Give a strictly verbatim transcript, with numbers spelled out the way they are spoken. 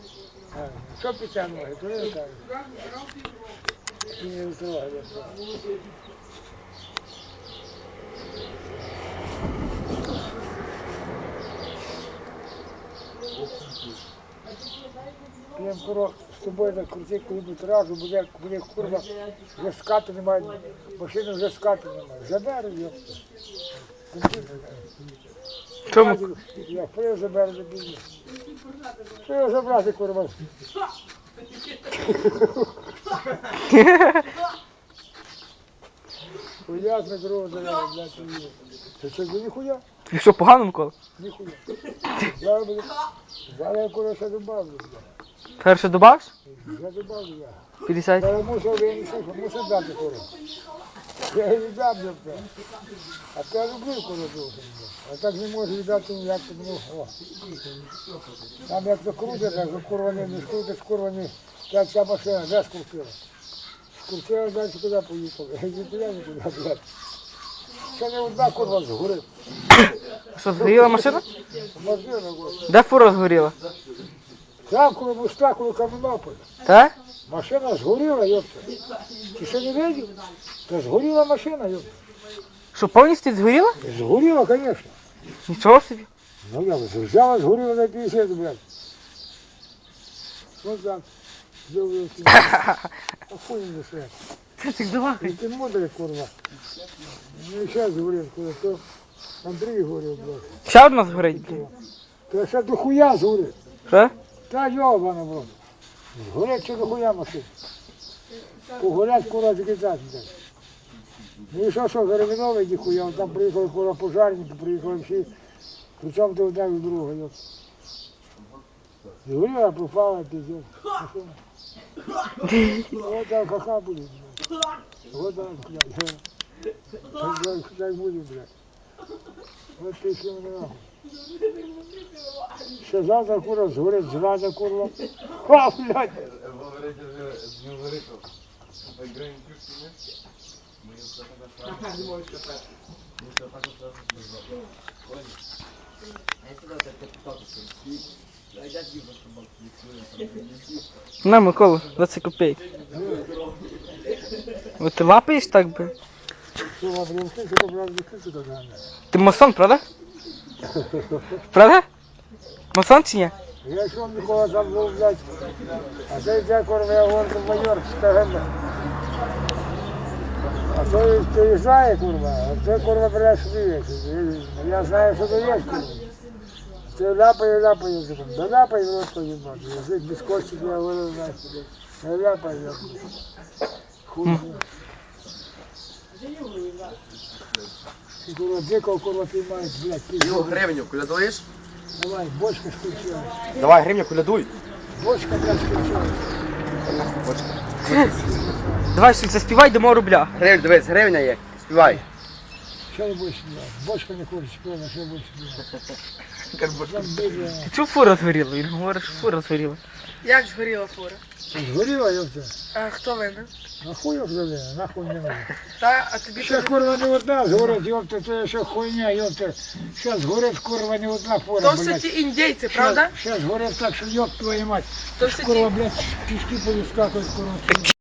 Що після ноги? То не кажуть. І не втрогає. П'ємо курок з тобою на круті, коли-небудь разу буде, буде курва, вже скати немає, машини вже скати немає. Заберу, йопта. Чому? Я пив заберу, не бігу. Пив забрати, курва. Хуя на дорогу заберу, блядь, не їду. Це що, це ніхуя? І що, погано, Микола? Ніхуя. Зараз буде, зараз я курва ще добавлю, блядь. Перше добавиш? Я добавлю я. п'ятдесят. Зараз мусив винести, мусив дати курва. Я її дам, блядь. А то я люблю курва дуже. А так не можу віддати ніяк, тому, о. Там як закрутить, так закурвані, не скрутить, скурвані, як ця машина, де скрутила? Скрутила, далі куди поїхали? Нікуди, нікуди, блядь. Ще не одна курва згорить. Що, згоріла машина? Машина, ось. Де фура згоріла? Там, коли моста, коли Кам'янополь. Так? Машина згоріла, йопта. Ти що не видів? Та згоріла машина, йопта. Що, повністю згоріла? Згоріла, звісно. Нічого собі. Ну я взяла, згоріла на п'ятдесят, блядь. Ось так. Дивився. Охуєнно все. Це так давай. Ти мудрий, курва. Ну і ще згорів, курва. То Андрій горів, блядь. Ще одна згорить, блін. То ще до хуя згорить. Що? Та йобана, блядь. Згорять ще до хуя машин. Погорять, курва, закидати, блядь. Ну і що, що, Заревіновий ніхуя, там приїхали курва пожарники, приїхали всі. Причому ти одне від другого, йоп. Згоріла, пропала, пиздец. Машина. Вот так ха-ха будет, блядь. Вот так, блядь. Так, так будет, блядь. Вот ты все нахуй. Ще завтра курва згорить, зрада курва. Ха, блядь. На, Микола, двадцять копійок. Вот ти лапаєш так би? Що, блядь, ти що, блядь, ти що, блядь? Ти масон, правда? Правда? Масон чи ні? Я йшов Микола там був, блядь. А цей дядь курва, я говорю, майор, скажем. А той приїжджає, курва, а той, курва, блядь, сміється. Я знаю, що то є, курва. Це ляпає, ляпає, да ляпає, в рот поїбати. Язик без костик, я говорю, знаєш, не ляпає, ляпає. Хуй. Ти, курва, дикого, курва, піймаєш, блядь, пізно. Його гривню колядуєш? Давай, бочка скінчилась. Давай гривню колядуй. Бочка, блядь, скінчилась. Давай, що заспівай, дамо рубля. Гривню, дивись, гривня є. Співай. Що не будеш співати? Бочка не хоче співати, що будеш співати? Там біля. Ти чув, фура згоріла? Він говорить, що фура згоріла. Як згоріла фура? Згоріла, йопта. А хто винен? Нахуй обзавели, нахуй не надо. Та, а тобі Ще курва не одна згорить, йопта, це ще хуйня, йопта. Ще згорить, курва, не одна фура, то все блядь. ті індійці, правда? Ще згорить так, що йоп твою мать. То все Курва, ті... блядь, пішки повискакують, курва.